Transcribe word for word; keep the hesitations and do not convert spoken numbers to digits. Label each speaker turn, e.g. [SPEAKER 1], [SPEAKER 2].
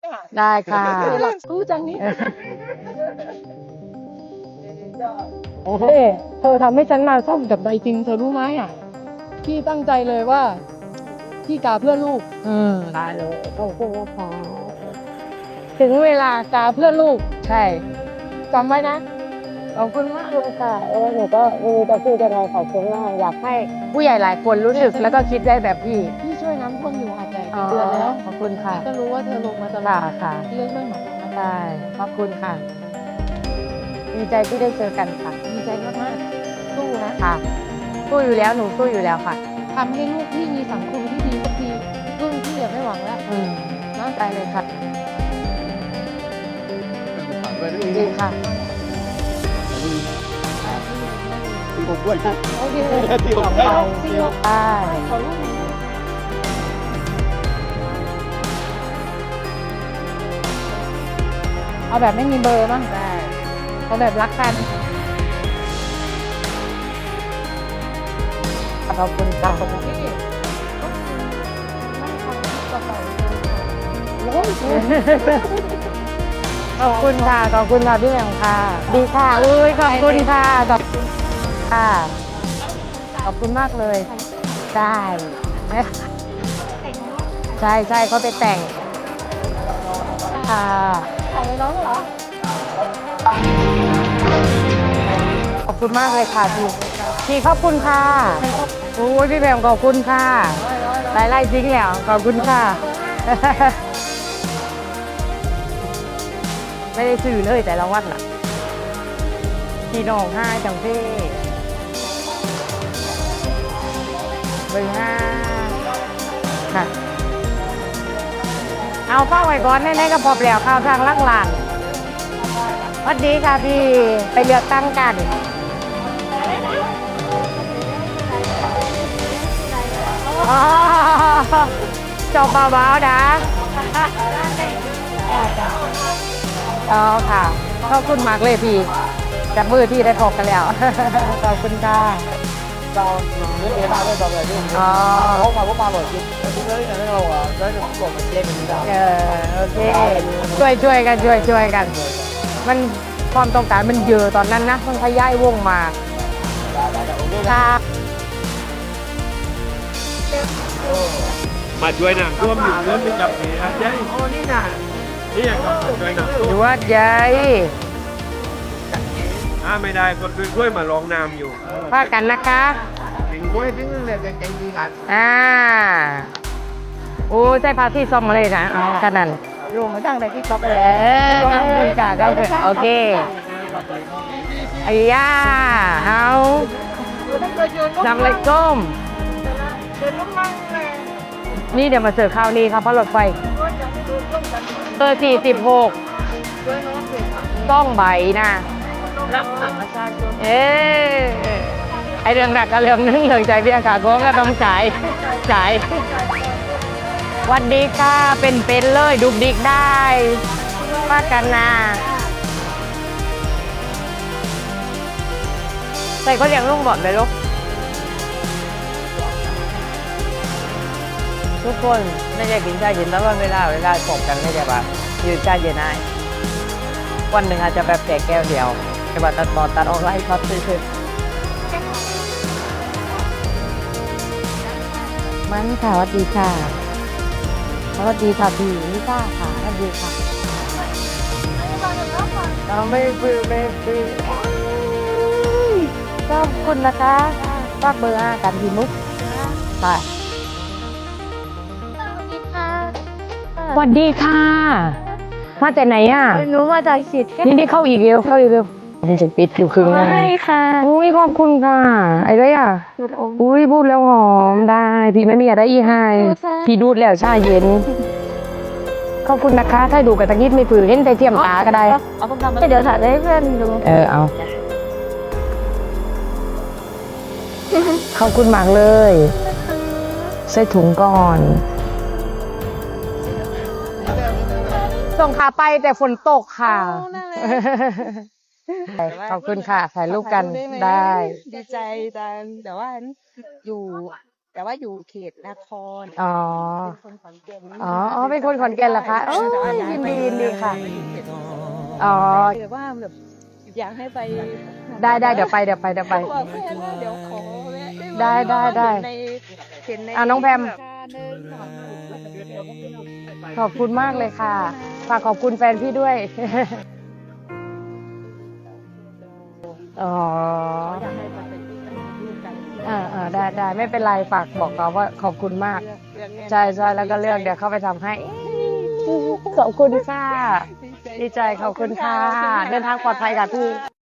[SPEAKER 1] ได้ค่ะ
[SPEAKER 2] หลักสู้จังนี้
[SPEAKER 1] โอเค
[SPEAKER 2] เธอทำให้ฉันมาส้มกับใบจริงเธอรู้ไหมอ่ะพี่ตั้งใจเลยว่าพี่กาเพื่อลูก
[SPEAKER 1] อืมได้เลยขอบคุณค่ะ
[SPEAKER 2] ถึงเวลากาเพื่อลูก
[SPEAKER 1] ใช่
[SPEAKER 2] จำไว้นะ
[SPEAKER 1] ขอบคุณมากเลยค่ะเออหนูก็ไม่รู้จะพูดยังไงขอบคุณมากอยากให้ผู้ใหญ่หลายคนรู้สึกแล้วก็คิดได้แบบพี่
[SPEAKER 2] พี่ช่วยน้ำท่วมอยู่หาดใหญ่เป็นเดือนแล้ว
[SPEAKER 1] ขอบคุณค่ะ
[SPEAKER 2] ก็รู้ว่าเธอลงมาตลอ
[SPEAKER 1] ค่ะ
[SPEAKER 2] ด
[SPEAKER 1] ค่ะ
[SPEAKER 2] เรื่องไม่เหมือนกันนะ
[SPEAKER 1] ได้ขอบคุณค่ะ ดีใจที่ได้เจอกันค่ะ
[SPEAKER 2] ดีใจมากๆสู้นะ
[SPEAKER 1] ค่ะสู้อยู่แล้วหนูสู้อยู่แล้วค่ะ
[SPEAKER 2] ทำให้ลูกพี่มีสังคมที่ดีสักทีรุ่นพี่อย่าไม่หวังแล้ว
[SPEAKER 1] อืม
[SPEAKER 2] นะ
[SPEAKER 1] ได้เลยค่ะดีค่ะ
[SPEAKER 3] ผมด้วยนะ
[SPEAKER 2] โอเค
[SPEAKER 3] ที่ผม
[SPEAKER 2] ได้
[SPEAKER 3] ได้
[SPEAKER 2] จริงเหรอ
[SPEAKER 1] ได้
[SPEAKER 2] ขอรูปหน่อย
[SPEAKER 1] เอาแบบไม่มีเบอร์บ้างได้เอาแบบรักกันขอบคุณค่ะ
[SPEAKER 2] พี่ก็คือนั่งทำกระเป๋าโอ้ย
[SPEAKER 1] ขอบคุณค่ะขอบคุณค่ะพี่แหม่มค่ะ ดีค่ะอุ้ยขอบคุณค่ะขอบคุณค่ะขอบคุณมากเลยได้ใช่ใช่เขาไปแต่งค่ะ
[SPEAKER 2] ถ่ายไว้น้องเหรอ
[SPEAKER 1] ขอบคุณมากเลยค่ะพี่พี่ขอบคุณค่ะโอ้ยพี่แหม่มขอบคุณค่ะไล่ไล่จริงแล้วขอบคุณค่ะ ไม่ได้ซื้อเลยแต่ละวันน่ะพี่น้องห้าจังเพ่เบอร์ห้าค่ะ เอาเฝ้าไว้ก่อนแน่ๆก็พอแล้วข้าวทางลักหลานสวัสดีค่ะพี่ไปเลือกตั้งกันอ๋อจบเบาๆนะอ๋อค่ะขอบคุณมากเลยพี่จับมือที่ได้พบกันแล้ว ขอบคุณค่ะ
[SPEAKER 3] เราเรื่องนี้มาเรื่องต่อไปเรื่อง
[SPEAKER 1] อ๋อ
[SPEAKER 3] พกมาพกมาหมดทุกเรื่องที่เราอ่ะได้หลบมันเจ๊กันไม่ได้
[SPEAKER 1] เออโอเคช่วยช่วยกันช่วยช่วยกัน มันความต้องการมันเยอะตอนนั้นนะมันขยายวงมาค่ะ
[SPEAKER 3] มาช่วยน้ำท่วมอยู่เรื่องนี้กับนี่นะเจ๊
[SPEAKER 1] โอ้นี่น่ะ
[SPEAKER 3] นี่อย่างกับช่วยน้ำท่ว
[SPEAKER 1] อ
[SPEAKER 3] ม
[SPEAKER 1] ยู่วัดใหญ่
[SPEAKER 3] อ่าไม่ได้คนช่วยมาลองน้ำอยู่
[SPEAKER 1] ว่ากันนะคะ
[SPEAKER 3] ถึงช่วยถึงเรื่องใจดีกัน
[SPEAKER 1] อ่าโอ้ใช่พาที่ซ่อมมาเลยนะเอาขนาดนั้น
[SPEAKER 2] ลงมาตั้งแต่ที่ต๊อก
[SPEAKER 1] เอ
[SPEAKER 2] เลย
[SPEAKER 1] อขอบคุณค่ะขอบคุณโอเคไอ้ย่าเอานำเลยก้มนี่เดี๋ยวมาเสิร์ฟข้าวนี้ครับเพราะรถไฟเบอร์สี่สิบหกต้องใบนะเออไอเรื่องหนักกับเรื่องนึงเรื่องใจพี่อากาศก็ต้องจ่ายจ่ายวันดีค่ะเป็นเป็นเลยดุกดิกได้ว่ากันนะใส่ก็เรียงลุงบอกเลยลูกทุกคนไม่ได้กินชาเย็นแล้วว่าเวลาเวลาจบกันไม่ได้ปะยืนชาเย็นได้วันหนึ่งอาจจะแบบแจกแก้วเดียวแต่ว่าตัดตอนตัดออกไล่ครับซื่อๆมันค่ะสวัสดีค่ะสวัสดีค่ะพี่ลิซ่าค่ะสวัสดีค่ะเราไม่ฟื้นไม่ฟื้นขอบคุณนะคะฝากเบอร์ห้ากันพี่มุกค่ะสวัสดีค่ะมาจากไหนอ่ะ
[SPEAKER 2] หนูมาจากสิทธิ์
[SPEAKER 1] นี่นี่เข้าอีกเร็วเข้าอีกเร็วมันจะปิดอยู่ครึ่งนึง
[SPEAKER 2] ใช่ค่ะ
[SPEAKER 1] อุ้ยขอบคุณค่ะไอ้ไรอ่ะอุ้ยพูดแล้วหอมได้พี่ไม่มีอะไรอีกให้พี่ดูดแล้วชาเย็นขอบคุณนะคะถ้าดูกับตะกี้ไม่ฝืนเห็นแต่เทียมตาก็ได้
[SPEAKER 2] เอาผมทำเดี๋ยวถ่ายให้เพื่อนดู
[SPEAKER 1] เออเอาขอบคุณมากเลยใส่ถุงก่อนส่งขาไปแต่ฝนตกค่ะขอบคุณค่ะถ่ายรูปกันได้
[SPEAKER 2] ดีใจจังแต่ว่าอยู่
[SPEAKER 4] แต่ว่าอยู่เขตนคร
[SPEAKER 1] อ๋อ
[SPEAKER 4] เป็นคนขอนแก่น
[SPEAKER 1] อ๋ออ๋อเป็นคนขอนแก่นเหรอคะโอ้ยยินดียินดีค่ะ อ๋อ
[SPEAKER 4] แต่ว่าแบบอยากให้ไป
[SPEAKER 1] ได้ได้เดี๋ยวไปเดี๋ยวไปเดี๋ยวไป
[SPEAKER 4] บอกแฟนว่าเดี๋ยวขอแวะหม
[SPEAKER 1] ได้ได้ได้
[SPEAKER 4] เห็นในเห็นใน
[SPEAKER 1] อ่ะน้องแพม
[SPEAKER 4] เดินสอง
[SPEAKER 1] ขอบคุณมากเลยค่ะ ฝากขอบคุณแฟนพี่ด้วย อ๋อ
[SPEAKER 4] อยากให้มาเป็นลูกกัน
[SPEAKER 1] อ่าอ่าได้ได้ไม่เป็นไรฝากบอกเขาว่าขอบคุณมาก
[SPEAKER 4] เลือกเลือก
[SPEAKER 1] ใช่ใช่แล้วก็เลือกเดี๋ยวเข้าไปทำให้ ขอบคุณค่ะ ดีใจขอบคุณค่ะ เดินทางปลอดภัยค่ะพี่